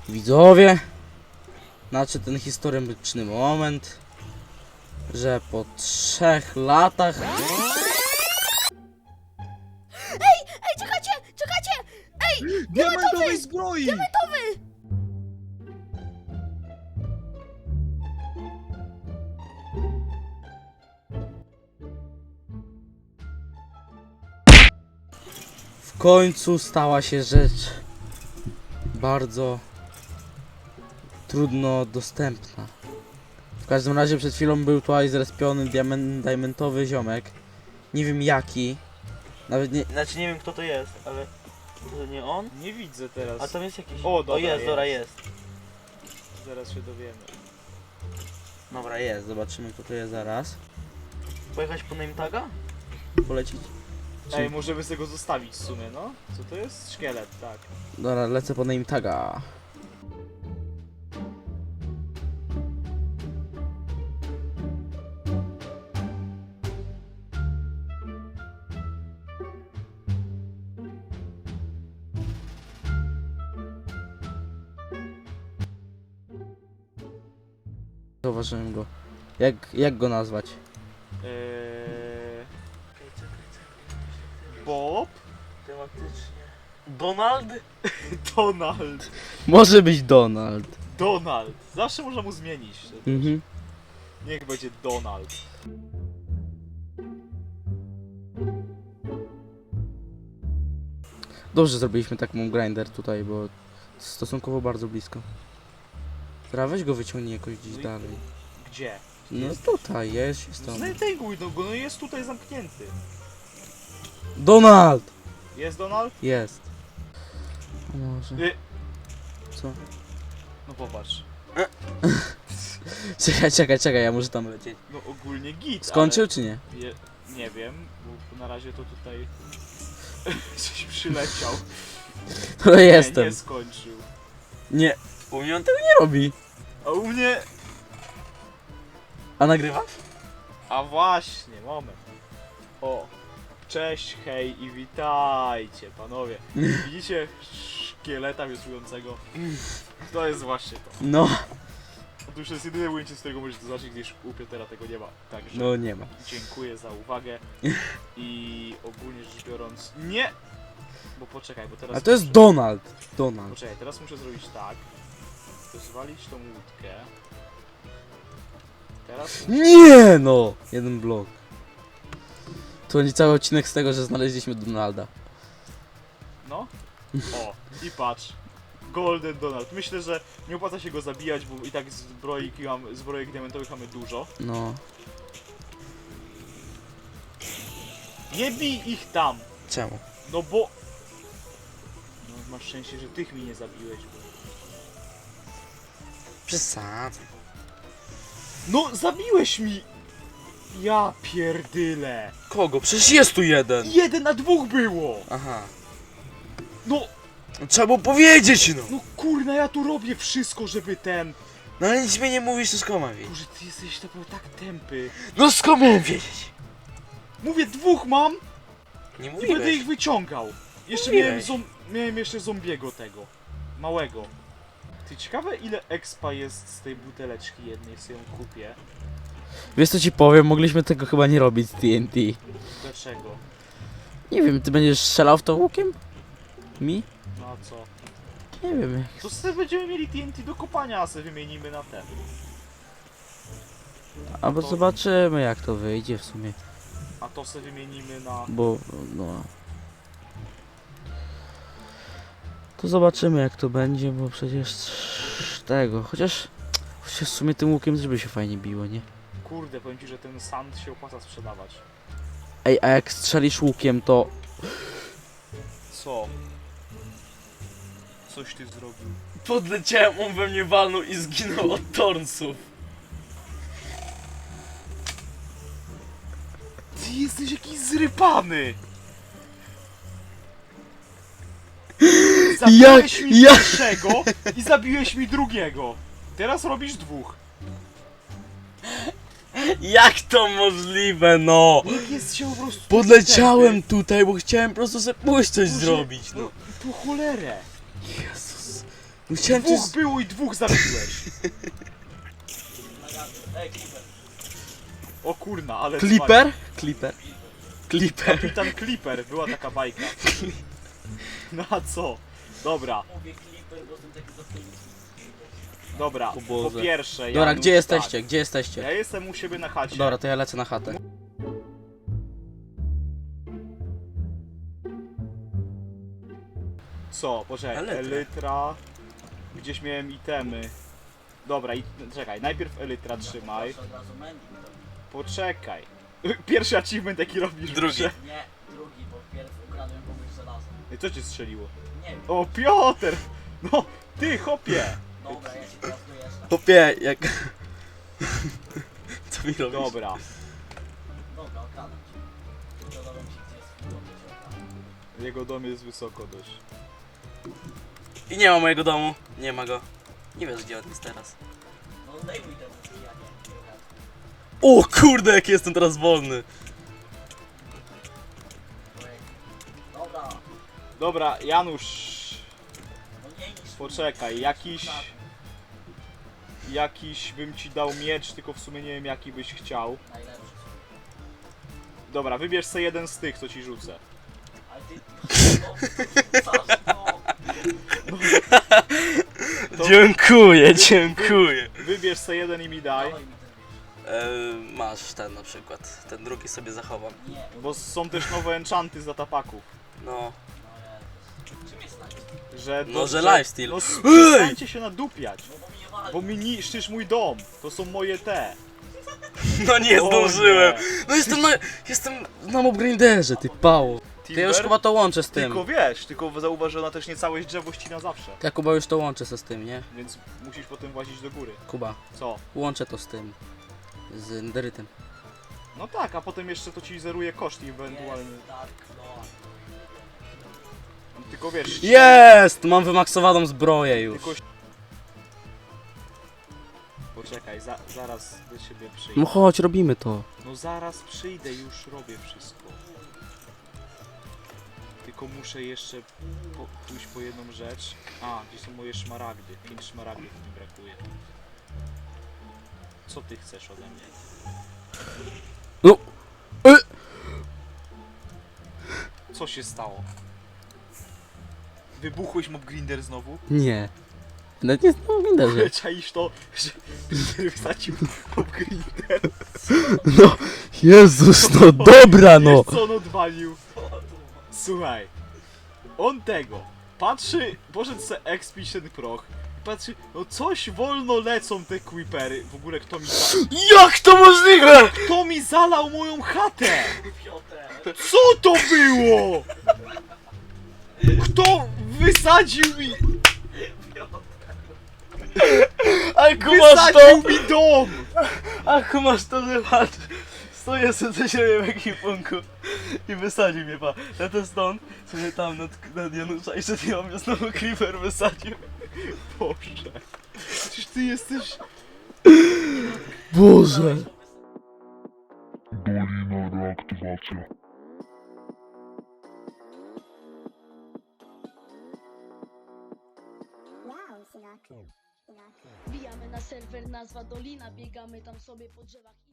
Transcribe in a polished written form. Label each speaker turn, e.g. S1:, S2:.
S1: Widzowie, znaczy ten historyczny moment, że po 3 latach...
S2: Ej, czekajcie! Ej!
S3: Diamentowej zbroi!
S1: W końcu stała się rzecz bardzo trudno dostępna. W każdym razie przed chwilą był tutaj zrespiony diamentowy ziomek. Nie wiem jaki. Nawet nie, znaczy nie wiem kto to jest, ale to nie on?
S3: Nie widzę teraz.
S1: A tam jest jakiś...
S3: O, dobra,
S1: jest, dobra, jest.
S3: Zaraz się dowiemy.
S1: Dobra, jest, zobaczymy kto to jest zaraz. Pojechać po name taga? Polecić?
S3: Ej, możemy sobie go zostawić w sumie, no? Co to jest? Szkielet, tak.
S1: Dobra, lecę po name taga. Zauważyłem go. Jak go nazwać?
S3: Bob?
S1: Tematycznie. Donald?
S3: Donald.
S1: Może być Donald.
S3: Donald. Zawsze można mu zmienić.
S1: Mhm.
S3: Niech będzie Donald.
S1: Dobrze zrobiliśmy taką grinder tutaj, bo stosunkowo bardzo blisko. Teraz weź go wyciągnij jakoś gdzieś
S3: No i-
S1: dalej.
S3: Gdzie?
S1: No tutaj, jest tam.
S3: Znajduj no go, no jest tutaj zamknięty.
S1: Donald!
S3: Jest Donald?
S1: Jest. A może... Co?
S3: No popatrz.
S1: Czekaj, ja muszę tam lecieć.
S3: No ogólnie git,
S1: Skończył czy nie?
S3: ale nie wiem, bo na razie to tutaj coś przyleciał.
S1: To jestem.
S3: Nie skończył.
S1: Nie. U mnie on tego nie robi.
S3: A u mnie...
S1: A nagrywasz?
S3: A właśnie, moment. O. Cześć, hej i witajcie, panowie. Widzicie szkieleta wiosłującego? To jest właśnie to.
S1: No.
S3: Otóż to jest jedyne ujęcie, z którego możecie zobaczyć, gdyż u Piotera tego nie ma. Także
S1: No nie ma.
S3: dziękuję za uwagę i ogólnie rzecz biorąc... Nie! Bo poczekaj, bo teraz...
S1: A to jest
S3: muszę-
S1: Donald. Donald.
S3: Poczekaj, teraz muszę zrobić tak. Zwalić tą łódkę. Teraz...
S1: Nie no! Jeden blok. To nie cały odcinek z tego, że znaleźliśmy Donalda.
S3: No. O, i patrz. Golden Donald. Myślę, że nie opłaca się go zabijać, bo i tak zbrojek diamentowych mamy dużo.
S1: No.
S3: Nie bij ich tam!
S1: Czemu?
S3: No bo... No masz szczęście, że tych mi nie zabiłeś. Bo...
S1: Przesadzę.
S3: No zabiłeś mi! Ja pierdyle!
S1: Kogo? Przecież jest tu jeden!
S3: 1 na 2 było!
S1: Aha.
S3: No,
S1: Trzeba było powiedzieć no!
S3: no kurna, ja tu robię wszystko, żeby ten...
S1: No ale nic mi nie mówisz, to skąd mam wiedzieć?
S3: Boże, ty jesteś naprawdę tak tępy.
S1: No skąd miałem wiedzieć?
S3: Mówię, 2 mam
S1: Nie
S3: i będę
S1: mówiłeś.
S3: ich wyciągał. Jeszcze
S1: Mówiłeś.
S3: miałem jeszcze zombiego tego. Małego. Ty, ciekawe ile expa jest z tej buteleczki jednej, sobie ją kupię.
S1: Wiesz co ci powiem, mogliśmy tego chyba nie robić z TNT.
S3: Dlaczego?
S1: Nie wiem, ty będziesz strzelał w to łukiem? Mi?
S3: No a co?
S1: Nie wiem.
S3: To sobie będziemy mieli TNT do kopania, a sobie wymienimy na ten.
S1: Albo
S3: to-
S1: zobaczymy jak to wyjdzie w sumie.
S3: A to sobie wymienimy na...
S1: Bo, no... To zobaczymy jak to będzie, bo przecież tego, chociaż w sumie tym łukiem też by się fajnie biło, nie?
S3: Kurde, powiem ci, że ten sand się opłaca sprzedawać.
S1: Ej, a jak strzelisz łukiem to...
S3: Co? Coś ty zrobił.
S1: Podleciałem, on we mnie walnął i zginął od tornsów.
S3: Ty jesteś jakiś zrypany! Zabiłeś mi
S1: ja-
S3: pierwszego i zabiłeś mi drugiego. Teraz robisz 2.
S1: Jak to możliwe, no?
S3: Jak jest się po prostu...
S1: Podleciałem tutaj, bo chciałem po prostu sobie pójść coś
S3: Boże,
S1: zrobić, no.
S3: Po cholerę.
S1: Jezus. Chciałem
S3: Dwóch
S1: coś...
S3: było i dwóch zabiłeś.
S2: Ej, Clipper.
S3: O kurna, ale...
S1: Clipper? Clipper. Clipper.
S3: Kapitan Clipper, była taka bajka. No a co? Dobra,
S2: Mówię Clipper, bo jestem taki zapomniany.
S3: dobra.
S1: O
S3: Po
S1: Boże.
S3: pierwsze,
S1: Dobra,
S3: Janusz,
S1: gdzie jesteście?
S3: tak.
S1: Gdzie jesteście?
S3: Ja jestem u siebie na chacie.
S1: Dobra, to ja lecę na chatę.
S3: Co? Poczekaj,
S1: Elytra.
S3: Elytra. Gdzieś miałem itemy. Dobra, czekaj, najpierw Elytra trzymaj.
S2: Zawsze od razu mending to.
S3: Poczekaj. Pierwszy achievement jaki robisz.
S1: Drugi.
S3: muszę-
S2: Nie, drugi, bo pierw ukradłem komuś żelazo.
S3: Ej, co cię strzeliło?
S2: Nie wiem.
S3: O, Piotr! No, ty, chopie!
S2: Dobra, ja się teraz dojeżdżam.
S1: Popie, jak... Co mi robisz?
S3: Dobra.
S2: Dobra, okradam cię. Dodałem ci, gdzie jest chwilą, to cię okradam.
S3: Jego dom jest wysoko dość.
S1: I nie ma mojego domu. Nie ma go. Nie wiesz, gdzie on jest teraz.
S2: No zdejmuj te łuski, a nie.
S1: O kurde, jak jestem teraz wolny.
S2: Dobra,
S3: Dobra, Janusz.
S2: no nie niż...
S3: Poczekaj, jakiś bym ci dał miecz, tylko w sumie nie wiem jaki byś chciał.
S2: Najlepszy.
S3: Dobra, wybierz sobie jeden z tych, co ci rzucę.
S2: Ale ty... No,
S3: To-
S1: Dziękuję, dziękuję.
S3: Wybierz sobie jeden i mi daj.
S2: dawaj mi ten wiesz.
S1: Masz ten na przykład. Ten drugi sobie zachowam.
S2: Nie,
S3: Bo są też nowe enchanty za tapaków.
S1: No.
S2: no Jezus. Czym jest snajper?
S3: Że,
S1: No, że lifesteal.
S3: No,
S1: Ej!
S3: przestańcie się nadupiać.
S2: No bo mi nie wali.
S3: Bo mi niszczysz mój dom. To są moje te.
S1: No nie
S3: O
S1: zdążyłem.
S3: nie.
S1: No jestem na mobgrinderze, ty pało. To ja już
S3: Timber?
S1: chyba to łączę z tym.
S3: Tylko wiesz, tylko zauważ, że ona też nie całe drzewo ścina zawsze.
S1: Ja Kuba już to łączę se z tym, nie?
S3: Więc musisz potem włazić do góry.
S1: Kuba,
S3: Co?
S1: łączę to z tym. Z enderytem.
S3: No tak, a potem jeszcze to ci zeruje koszt ewentualnie.
S2: Jest Dark Lord.
S3: Tylko wiesz...
S1: Jest! Mam wymaksowaną zbroję już.
S3: Tylko... Poczekaj, zaraz do ciebie przyjdę.
S1: No chodź, robimy to.
S3: No zaraz przyjdę, już robię wszystko. Tylko muszę jeszcze pójść po jedną rzecz. A, gdzie są moje szmaragdy? 5 szmaragdów mi brakuje. Co ty chcesz ode mnie?
S1: No.
S3: Co się stało? Wybuchłeś Mob Grinder znowu?
S1: Nie. Nawet nie znam Grinderze.
S3: Czaisz to, że Grinder wysadził Mob Grinder?
S1: No, Jezus, no dobra no.
S3: Wiesz co on odwalił? Słuchaj, on tego patrzy, poszedł se expić ten proch i patrzy, no coś wolno lecą te creepery. W ogóle
S1: Jak to możliwe?
S3: kto mi zalał moją chatę?
S2: Piotr.
S3: Co to było? Kto wysadził mi,
S1: A kumasz
S3: wysadził mi dom?
S1: A kumasz to, że patrz. Stoję sobie ze siebie w ekwipunku i wysadził mnie, pa. Ja to stąd sobie tam nad Janusza i przed chwilą mnie znowu creeper wysadził.
S3: Boże, przecież ty jesteś...
S1: Boże.
S4: Dolina reaktywacja.
S5: Wbijamy na serwer, nazwa Dolina, biegamy tam sobie po drzewach.